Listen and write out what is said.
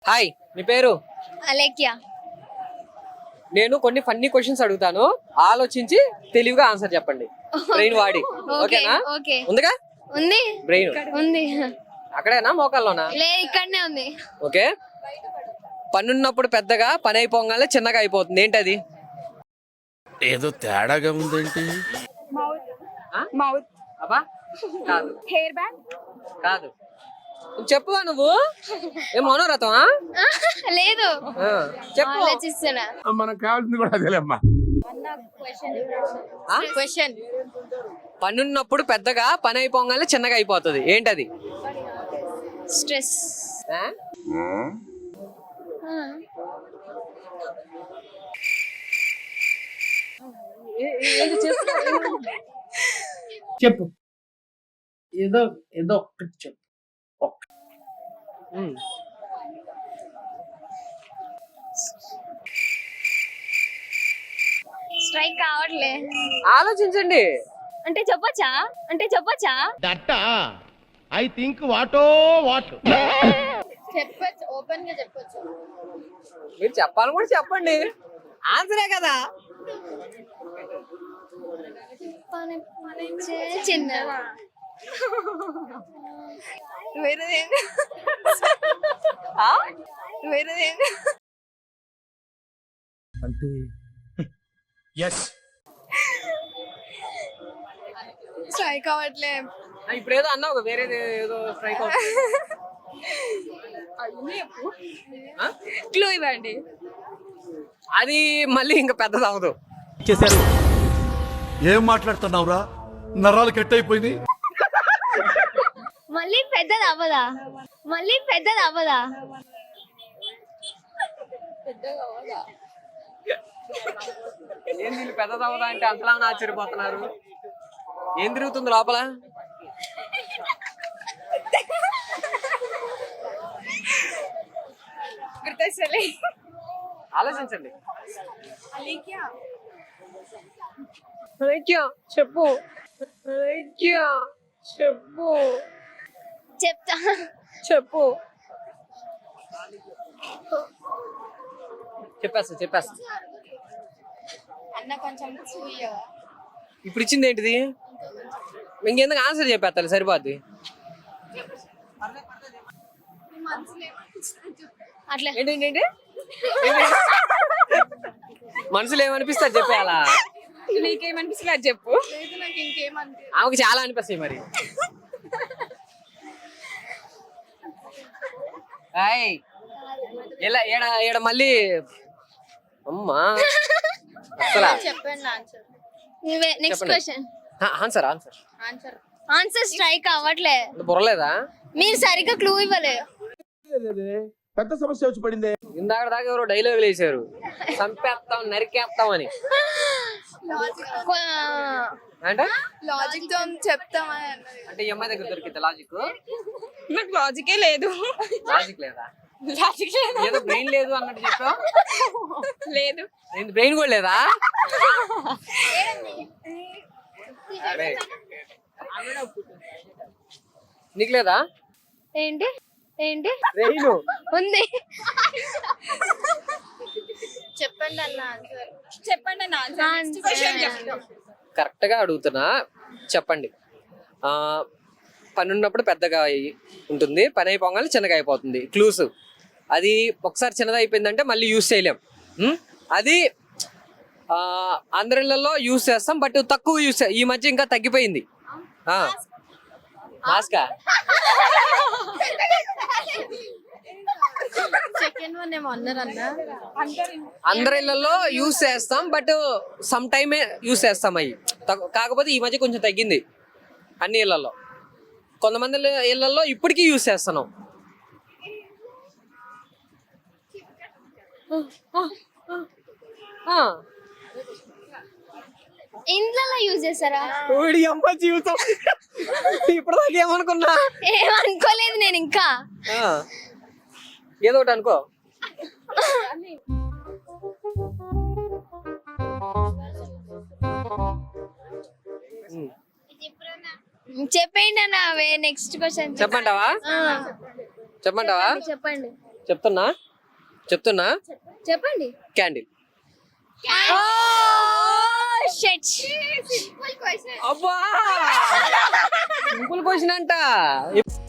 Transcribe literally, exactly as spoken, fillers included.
Hi, మీ పేరు? అలేఖ్య. నేను కొన్ని ఫన్నీ క్వశ్చన్స్ అడుగుతాను, ఆలోచించి తెలివిగా ఆన్సర్ చెప్పండి. బ్రెయిన్ వాడి. ఓకేనా? ఓకే. ఉందిగా ఉంది. బ్రెయిన్ ఉంది. అక్కడేనా మోకాల్లోనా? లే, ఇక్కడనే ఉంది. ఓకే. పన్నున్నప్పుడు పెద్దగా, పని అయిపోగానే చిన్నగా అయిపోతుంది, ఏంటది? ఏదో తేడాగా ఉందేంటి? మౌత్. అబ్బా కాదు. Hair band. కాదు. చెప్పు నువ్వు. ఏం మనోరథం? లేదు, చెప్పు. ఆలోచిస్తున్నా. మనకు కావాల్సింది కూడా అదేలేమ్మా. క్వశ్చన్. పన్నున్నప్పుడు పెద్దగా, పని అయిపోగానే చిన్నగా అయిపోతుంది, ఏంటది? స్ట్రెస్. ఆ? ఏ- ఏది చేస్తున్నావు? చెప్పు, ఏదో ఏదో ఒక్కటి చెప్పు. ఉమ్. స్ట్రైక్ కావట్లే. ఆలోచించండి. అంటే చెప్పొచ్చా? అంటే చెప్పొచ్చా? That I think what what చెప్పొచ్చు, ఓపెన్ గా చెప్పొచ్చు. మీరు చెప్పాలి కూడా చెప్పండి, ఆన్సరే కదా. చిన్న వేరేదే వేరేదే అంటే ఎస్ స్ట్రైక్ అవ్వట్లే. ఇప్పుడు ఏదో అన్నావు, వేరే ఏదో స్ట్రైక్ అవుతుంది. క్లూ ఇవ్వండి. అది మళ్ళీ ఇంకా పెద్దది అవ్వదు. చేశారు. ఏం మాట్లాడుతున్నావురా? నరాలు కట్ అయిపోయింది. మళ్ళీ పెద్దది అవ్వదా? మళ్ళీ పెద్దది అవ్వదా? ఏం వీళ్ళు పెద్దది అవ్వదా అంటే అంతలా ఆశ్చర్యపోతున్నారు. ఏం తిరుగుతుంది లోపల? గుర్తొస్తలే. ఆలోచించండి. అలేఖ్య, చెప్పు. అలేఖ్య, చెప్పు. చెప్తా. చెప్పు. చెప్పేస్తా చెప్పేస్తా అన్న కొంచెం ఇప్పుడు ఇచ్చింది ఏంటిది? ఇంకెందుకు ఆన్సర్ చెప్పేస్తా, సరిపోద్ది. అట్లా ఏంటి ఏంటి ఏంటి? మనసులో ఏమనిపిస్తే అది చెప్పేయాలా? నీకేమనిపిస్తుంది అది చెప్పు. నాకు ఇంకేమనిపి ఆమెకి చాలా అనిపిస్తాయి మరి. ఏయ్, ఇలా ఏడ ఏడ మళ్ళీ అమ్మా అసలా చెప్పండి ఆన్సర్. నువ్వే next question. Answer answer answer answer strike అవ్వట్లే. బుర్రలేదా? మీరు సరిగ్గా క్లూ ఇవ్వలే. పెద్ద సమస్య వచ్చి పడింది. ఇందాక దాకా ఎవరో డైలాగులు వేసారు, చంపేస్తాం నరికేస్తాం అని. అంటే లాజిక్ తో చెప్తామని అంటే ఈ అమ్మాయి దగ్గర దొరికింది లాజిక్. నాకు లాజికే లేదు. లాజిక్ లేదా? లాజిక్ లేదు. ఏదో బ్రెయిన్ లేదు అన్నట్టు చెప్పావు. లేదు. బ్రెయిన్ కూడా లేదా? అరే, నీకు లేదా ఏంటి ఏంటి బ్రెయిన్? ఉంది. చెప్పండి అన్న ఆన్సర్. చెప్పండి అన్న ఆన్సర్. నెక్స్ట్ క్వశ్చన్ చెప్తాం. కరెక్ట్ గా అడుగుతున్నా, చెప్పండి. ఆ పని ఉన్నప్పుడు పెద్దగా అయ్యి ఉంటుంది, పని అయిపోగానే చిన్నగా అయిపోతుంది. క్లూస్. అది ఒకసారి చిన్నది అయిపోయిందంటే మళ్ళీ యూస్ చేయలేం. ఉం? అది ఆ అందరిలో యూస్ చేస్తాం, బట్ తక్కువ యూస్. ఈ మధ్య ఇంకా తగ్గిపోయింది. మాస్కా? సెకండ్ వన్ ఏమో అన్నారు అన్న. అందరి ఇళ్లలో యూస్ చేస్తాం, బట్ సమ్ టైమే యూస్ చేస్తాం అవి. కాకపోతే ఈ మధ్య కొంచెం తగ్గింది అన్ని ఇళ్లలో. కొంతమంది ఇళ్లలో ఇప్పటికీ యూస్ చేస్తున్నాం. ఇంట్లో యూజ్ చేస్తారా? అమ్మ జీవితం ఇప్పుడు దాకా ఏమనుకున్నా? ఏమనుకోలేదు నేను ఇంకా. ఏదో ఒకటి అనుకో. చెప్పండి అన్న. నెక్స్ట్ క్వశ్చన్ చెప్పంటావా? చెప్పంటావా? చెప్పండి. చెప్తున్నా చెప్తున్నా చెప్పండి. క్యాండిల్. అబ్బా సింపుల్ క్వశ్చన్ అంట.